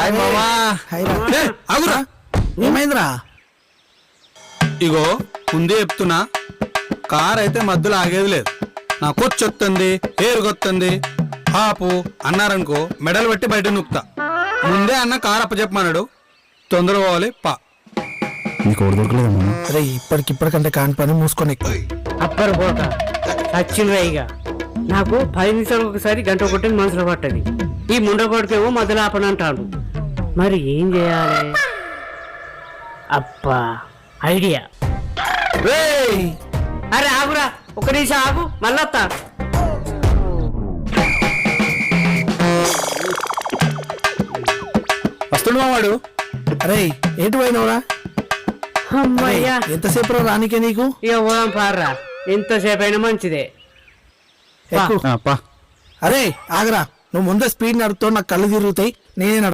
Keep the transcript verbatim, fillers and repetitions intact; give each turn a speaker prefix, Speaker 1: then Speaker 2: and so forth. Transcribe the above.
Speaker 1: ఏమైందిరా?
Speaker 2: ఇగో ముందే చెప్తున్నా, కార్ అయితే మధ్యలో ఆగేది లేదు. నా కొచ్చొత్తుంది, ఏరుగొత్తుంది, ఆపు అన్నారనుకో మెడలు పెట్టి బయట నొక్కుతా. ముందే అన్న కార్ అప్పచెప్పమన్నాడు, తొందర పోవాలి పా.
Speaker 1: నీకు ఓడి దొరకలేదు అరే, ఇప్పటికిప్పటికంటే కాని పని మూసుకొని
Speaker 3: అప్పర్ పోక సచ్చినరాయిగా నాకు పది నిమిషాలకు ఒకసారి గంట కొట్టిన మనసులో పట్టది. ఈ ముండగొడికేమో మొదలు ఆపనంటాడు. మరి ఏం చేయాలి? అబ్బా ఐడియా. అరే ఆగురా, ఒక నిమిషం ఆగు, మళ్ళొత్తా.
Speaker 1: వస్తుండు మావాడు. అరే ఏంటి పోయినవురా?
Speaker 3: అమ్మయ్యా,
Speaker 1: ఎంతసేపు రానికే నీకు?
Speaker 3: ఇక పోదాం పార్రా, ఎంతసేపు అయినా మంచిదే.
Speaker 1: అరే ఆగరా, నువ్వు ముందే స్పీడ్ నడుపుతావు, నాకు కళ్ళు తిరుగుతాయి. నేనే